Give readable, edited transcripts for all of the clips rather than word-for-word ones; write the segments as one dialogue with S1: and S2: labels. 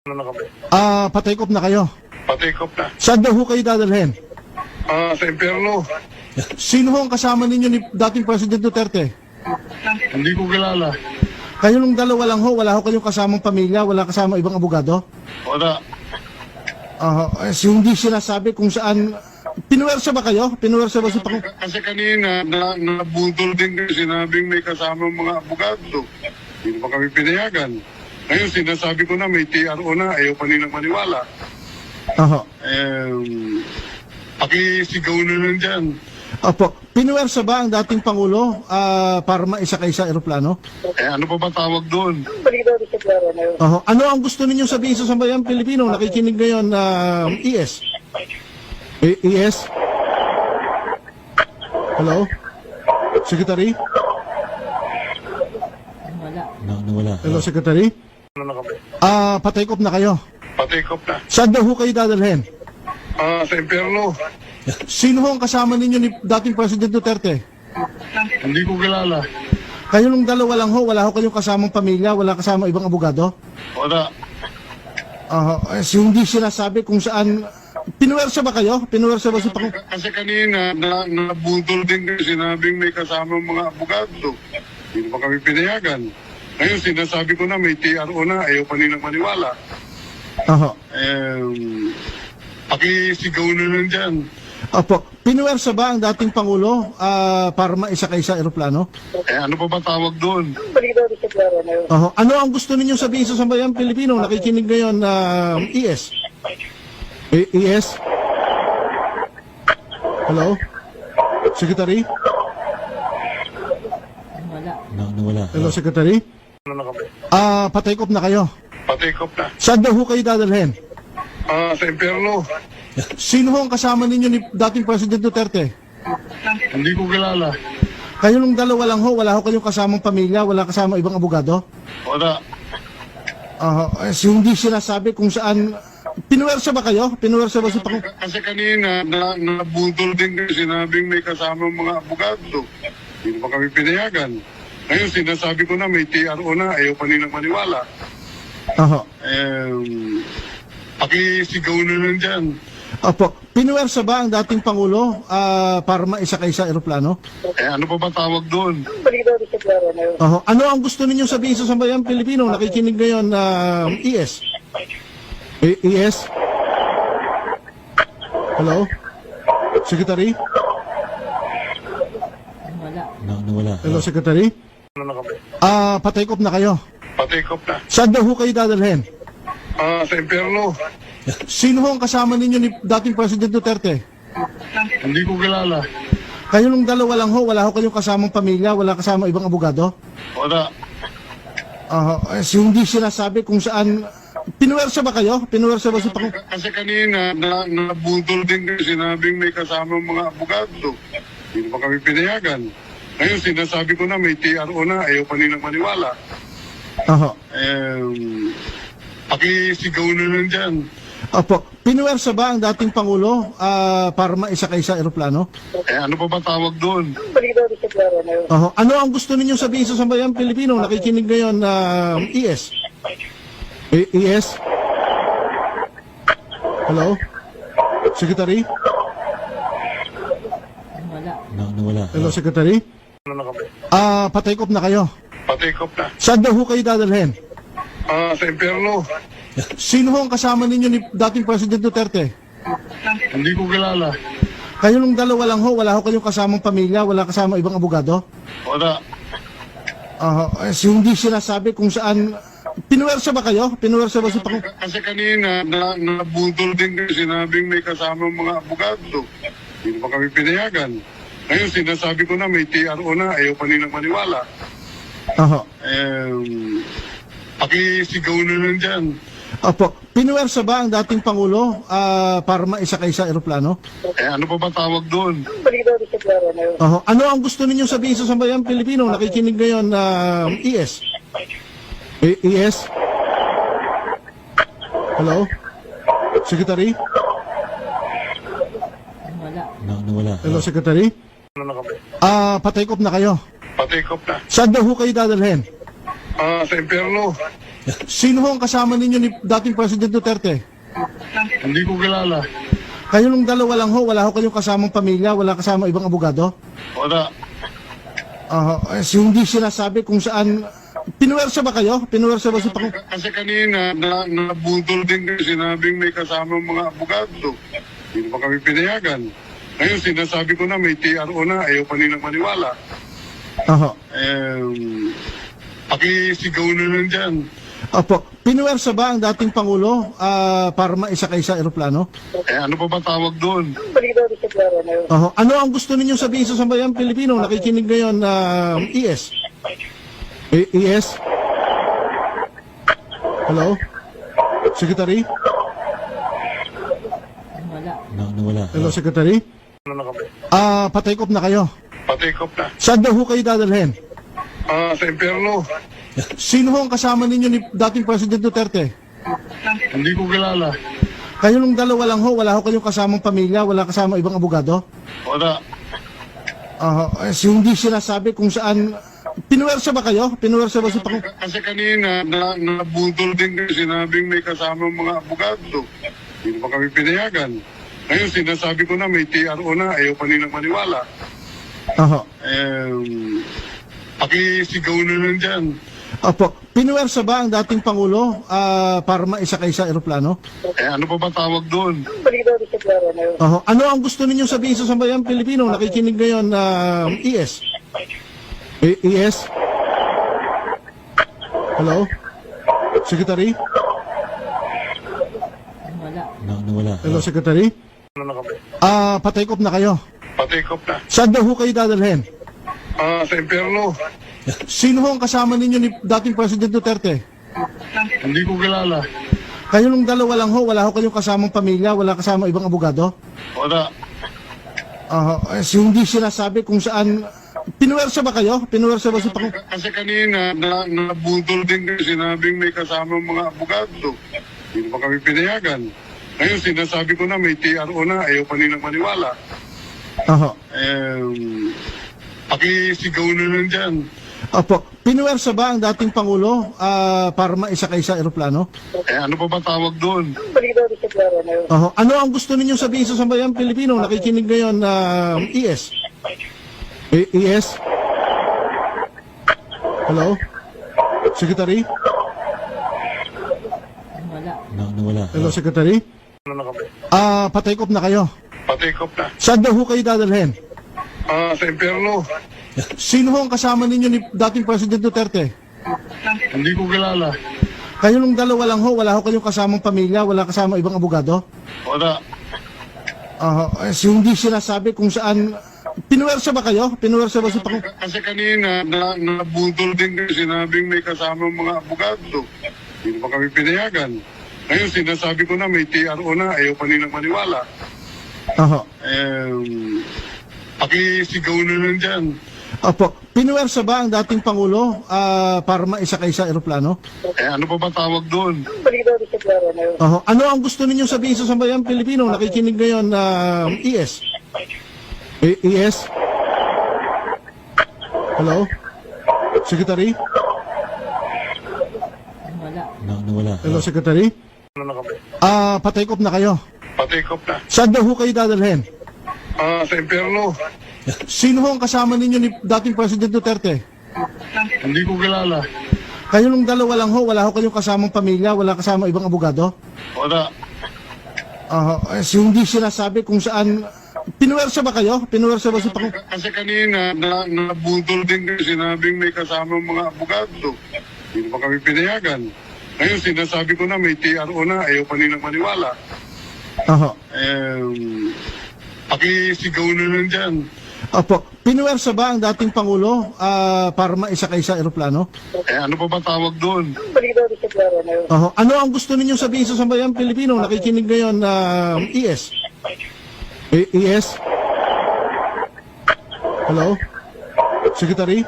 S1: Ano na kami?
S2: Patikop na kayo.
S1: Patikop na.
S2: Saan daw ho kayo dadalhin?
S1: Sa impyerno.
S2: Sino ho ang kasama ninyo ni dating President Duterte?
S1: Hindi ko kilala.
S2: Kayo nung dalawa lang ho, wala ho kayong kasamang pamilya, wala kasama ibang abogado?
S1: Wala.
S2: Hindi sinasabi kung saan. Pinuwersa ba kayo? Pinuwersa ba si Pang...
S1: Kasi kanina, nabudol din kasi sinabing may kasama mga abogado. Hindi pa kami pinayagan. Ngayon, sinasabi ko na may TRO na, ayaw pa nilang maniwala. Pakisigaw na lang dyan.
S2: Opo. Pinuwersa ba ang dating Pangulo para maisakay sa eroplano?
S1: Ano pa ba tawag doon?
S2: Ano ang gusto ninyong sabihin sa sambayang Pilipino? Nakikinig ngayon ES? ES? Hello? Secretary?
S3: Nawala.
S2: Hello, Secretary?
S1: Ano na kami?
S2: Patikop na kayo.
S1: Patikop na.
S2: Saan daw ho kayo dadalhin?
S1: Sa impyerno.
S2: Sino ho ang kasama ninyo ni dating President Duterte?
S1: Hindi ko kilala.
S2: Kayo nung dalawa lang ho, wala ho kayong kasamang pamilya, wala kasama ibang abogado?
S1: Wala.
S2: Hindi sinasabi kung saan. Pinuwersa ba kayo? Pinuwersa ba si Pang...
S1: Kasi kanina, nabudol din kasi sinabing may kasama mga abogado. Hindi pa kami pinayagan. Ngayon, sinasabi ko na may TRO na, ayaw pa nilang maniwala. Pakisigaw na lang dyan.
S2: Opo. Pinuwersa ba ang dating Pangulo para maisakay sa eroplano?
S1: Ano pa ba tawag doon?
S2: Ano ang gusto ninyong sabihin sa sambayang Pilipino? Nakikinig ngayon ES? ES? Hello? Secretary?
S3: Nawala.
S2: Hello, Secretary?
S1: Ano na kami?
S2: Patikop na kayo.
S1: Patikop na.
S2: Saan daw ho kayo dadalhin?
S1: Sa impyerno.
S2: Sino ho ang kasama ninyo ni dating President Duterte?
S1: Hindi ko kilala.
S2: Kayo nung dalawa lang ho, wala ho kayong kasamang pamilya, wala kasama ibang abogado?
S1: Wala.
S2: Hindi sinasabi kung saan. Pinuwersa ba kayo? Pinuwersa ba si Pang...
S1: Kasi kanina, nabudol din kasi sinabing may kasama mga abogado. Hindi pa kami pinayagan. Ngayon, sinasabi ko na may TRO na, ayaw pa nilang maniwala. Pakisigaw na lang dyan.
S2: Opo. Pinuwersa ba ang dating Pangulo para maisakay sa eroplano?
S1: Ano pa ba tawag doon?
S2: Ano ang gusto ninyong sabihin sa sambayang Pilipino? Nakikinig ngayon ES? ES? Hello? Secretary?
S3: Nawala.
S2: Hello, Secretary?
S1: Ano na kami?
S2: Patikop na kayo.
S1: Patikop na.
S2: Saan daw ho kayo dadalhin?
S1: Sa impyerno.
S2: Sino ho ang kasama ninyo ni dating President Duterte?
S1: Hindi ko kilala.
S2: Kayo nung dalawa lang ho, wala ho kayong kasamang pamilya, wala kasama ibang abogado?
S1: Wala.
S2: Hindi sinasabi kung saan. Pinuwersa ba kayo? Pinuwersa ba si Pang...
S1: Kasi kanina, nabudol din kasi sinabing may kasama mga abogado. Hindi pa kami pinayagan. Ngayon, sinasabi ko na may TRO na, ayaw pa nilang maniwala. Pakisigaw na lang dyan.
S2: Opo. Pinuwersa ba ang dating Pangulo para maisakay sa eroplano?
S1: Ano pa ba tawag doon?
S2: Ano ang gusto ninyong sabihin sa sambayang Pilipino? Nakikinig ngayon ES? ES? Hello? Secretary?
S3: Nawala.
S2: Hello, Secretary?
S1: Ano na kami?
S2: Patikop na kayo.
S1: Patikop na.
S2: Saan daw ho kayo dadalhin?
S1: Sa impyerno.
S2: Sino ho ang kasama ninyo ni dating President Duterte?
S1: Hindi ko kilala.
S2: Kayo nung dalawa lang ho, wala ho kayong kasamang pamilya, wala kasama ibang abogado?
S1: Wala.
S2: Hindi sinasabi kung saan. Pinuwersa ba kayo? Pinuwersa ba si Pang...
S1: Kasi kanina, nabudol din kasi sinabing may kasama mga abogado. Hindi pa kami pinayagan. Ngayon, sinasabi ko na may TRO na, ayaw pa nilang maniwala. Pakisigaw na lang dyan.
S2: Opo. Pinuwersa ba ang dating Pangulo para maisakay sa eroplano?
S1: Ano pa ba tawag doon?
S2: Ano ang gusto ninyong sabihin sa sambayang Pilipino? Nakikinig ngayon ES? ES? Hello? Secretary?
S3: Nawala.
S2: Hello, Secretary?
S1: Ano na kami?
S2: Patikop na kayo.
S1: Patikop na.
S2: Saan daw ho kayo dadalhin?
S1: Sa impyerno.
S2: Sino ho ang kasama ninyo ni dating President Duterte?
S1: Hindi ko kilala.
S2: Kayo nung dalawa lang ho, wala ho kayong kasamang pamilya, wala kasama ibang abogado?
S1: Wala.
S2: Hindi sinasabi kung saan, pinuwersa ba kayo? Pinuwersa ba si Pang...
S1: Kasi kanina, nabudol din kasi sinabing may kasama mga abogado. Hindi pa kami pinayagan. Ngayon, sinasabi ko na may TRO na, ayaw pa nilang maniwala. Pakisigaw na lang dyan.
S2: Opo, pinuwersa ba ang dating Pangulo para maisakay sa eroplano?
S1: Ano pa ba tawag doon?
S2: Ano ang gusto ninyong sabihin sa sambayang Pilipino? Nakikinig ngayon ES? ES? Hello? Secretary?
S3: Nawala.
S2: Hello, Secretary?
S1: Ano na kami?
S2: Patikop na kayo.
S1: Patikop na.
S2: Saan daw ho kayo dadalhin?
S1: Sa impyerno.
S2: Sino ho ang kasama ninyo ni dating President Duterte?
S1: Hindi ko kilala.
S2: Kayo nung dalawa lang ho, wala ho kayong kasamang pamilya, wala kasama ibang abogado?
S1: Wala.
S2: Hindi sinasabi kung saan, pinuwersa ba kayo? Pinuwersa ba si Pang...
S1: Kasi kanina, nabudol din kasi sinabing may kasama mga abogado. Hindi pa kami pinayagan. Ngayon, sinasabi ko na may TRO na, ayaw pa nilang maniwala. Pakisigaw na lang dyan.
S2: Opo, pinuwersa ba ang dating Pangulo para maisakay sa eroplano?
S1: Ano pa ba tawag doon?
S2: Ano ang gusto ninyong sabihin sa sambayang Pilipino? Nakikinig ngayon ES? ES? Hello? Secretary?
S3: Nawala.
S2: Hello, Secretary?
S1: Ano na kami?
S2: Patikop na kayo.
S1: Patikop na.
S2: Saan daw ho kayo dadalhin?
S1: Sa impyerno.
S2: Sino ho ang kasama ninyo ni dating President Duterte?
S1: Hindi ko kilala.
S2: Kayo nung dalawa lang ho, wala ho kayong kasamang pamilya, wala kasama ibang abogado?
S1: Wala.
S2: Hindi sinasabi kung saan, pinuwersa ba kayo? Pinuwersa ba si Pang...
S1: Kasi kanina, nabudol din kasi sinabing may kasama mga abogado. Hindi pa kami pinayagan. Ngayon, sinasabi ko na may TRO na, ayaw pa nilang maniwala. Pakisigaw na lang dyan.
S2: Opo, pinuwersa ba ang dating Pangulo para maisakay sa eroplano?
S1: Ano pa ba tawag doon?
S2: Ano ang gusto ninyong sabihin sa sambayang Pilipino? Nakikinig ngayon ES? ES? Hello? Secretary?
S3: Nawala.
S2: Hello, Secretary?
S1: Ano na kami?
S2: Patikop na kayo.
S1: Patikop na.
S2: Saan daw ho kayo dadalhin?
S1: Sa impyerno.
S2: Sino ho ang kasama ninyo ni dating President Duterte?
S1: Hindi ko kilala.
S2: Kayo nung dalawa lang ho, wala ho kayong kasamang pamilya, wala kasama ibang abogado?
S1: Wala.
S2: Hindi sinasabi kung saan, pinuwersa ba kayo? Pinuwersa ba si Pang...
S1: Kasi kanina, nabudol din kasi sinabing may kasama mga abogado. Hindi pa kami pinayagan. Ngayon, sinasabi ko na may TRO na, ayaw pa nilang maniwala. Pakisigaw na lang dyan.
S2: Opo, pinuwersa ba ang dating Pangulo para maisakay sa eroplano?
S1: Ano pa ba tawag doon?
S2: Ano ang gusto ninyong sabihin sa sambayang Pilipino? Nakikinig ngayon ES? ES? Hello? Secretary?
S3: Nawala.
S2: Hello, Secretary?
S1: Ano na kami?
S2: Patikop na kayo.
S1: Patikop na.
S2: Saan daw ho kayo dadalhin?
S1: Sa impyerno.
S2: Sino ho ang kasama ninyo ni dating President Duterte?
S1: Hindi ko kilala.
S2: Kayo nung dalawa lang ho, wala ho kayong kasamang pamilya, wala kasama ibang abogado?
S1: Wala.
S2: Hindi sinasabi kung saan, pinuwersa ba kayo? Pinuwersa ba si Pang...
S1: Kasi kanina, nabudol din kasi sinabing may kasama mga abogado. Hindi pa kami pinayagan. Ngayon, sinasabi ko na may TRO na, ayaw pa nilang maniwala. Pakisigaw na lang dyan.
S2: Opo, pinuwersa ba ang dating Pangulo para maisakay sa eroplano?
S1: Ano pa ba tawag doon?
S2: Ano ang gusto ninyong sabihin sa sambayang Pilipino? Nakikinig ngayon ES? ES? Hello? Secretary?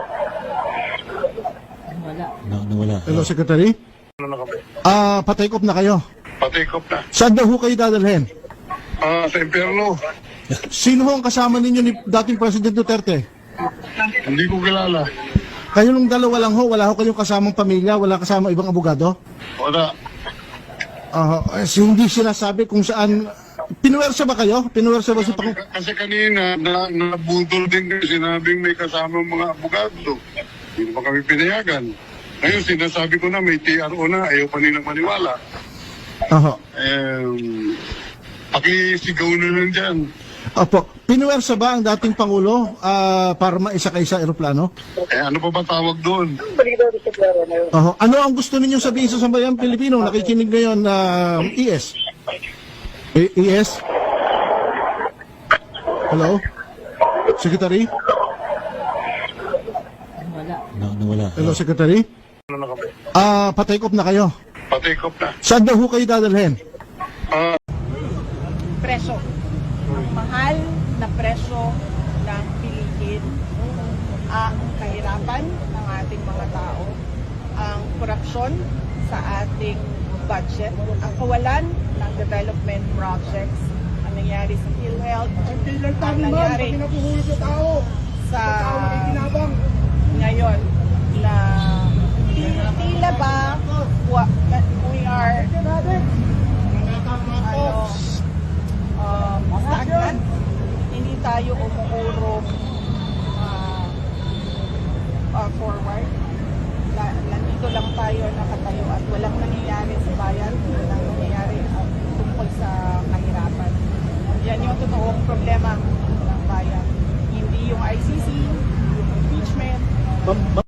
S3: Nawala.
S2: Hello, Secretary?
S1: Ano na kami?
S2: Patikop na kayo.
S1: Patikop na.
S2: Saan daw ho kayo dadalhin?
S1: Sa impyerno.
S2: Sino ho ang kasama ninyo ni dating President Duterte?
S1: Hindi ko kilala.
S2: Kayo nung dalawa lang ho, wala ho kayong kasamang pamilya, wala kasamang ibang abogado?
S1: Wala.
S2: Hindi sinasabi kung saan, pinuwersa ba kayo? Pinuwersa ba si Pang...
S1: Kasi kanina, nabudol din kasi sinabing may kasama mga abogado. Hindi pa kami pinayagan. Ngayon, sinasabi ko na may TRO na, ayaw pa nilang maniwala. Pakisigaw na lang dyan.
S2: Opo, pinuwersa ba ang dating Pangulo para maisakay sa eroplano?
S1: Ano pa ba tawag doon?
S2: Ano ang gusto ninyong sabihin sa sambayang Pilipino? Nakikinig ngayon na ES? ES? Hello? Secretary?
S3: Nawala.
S2: Hello, Secretary?
S1: Ano na kami?
S2: Pa-take off na kayo.
S1: Pa-take off na.
S2: Saan daw ho kayo dadalhin?
S4: Presyo. Ang mahal na presyo ng bilihin, ang kahirapan ng ating mga tao, ang korupsyon sa ating budget, ang kawalan ng development projects, ang nangyari sa PhilHealth, ang nangyari sa ngayon na tila ba we are stagnant, hindi tayo umuurong forward. Nandito lang tayo nakatayo at walang nangyayari sa bayan.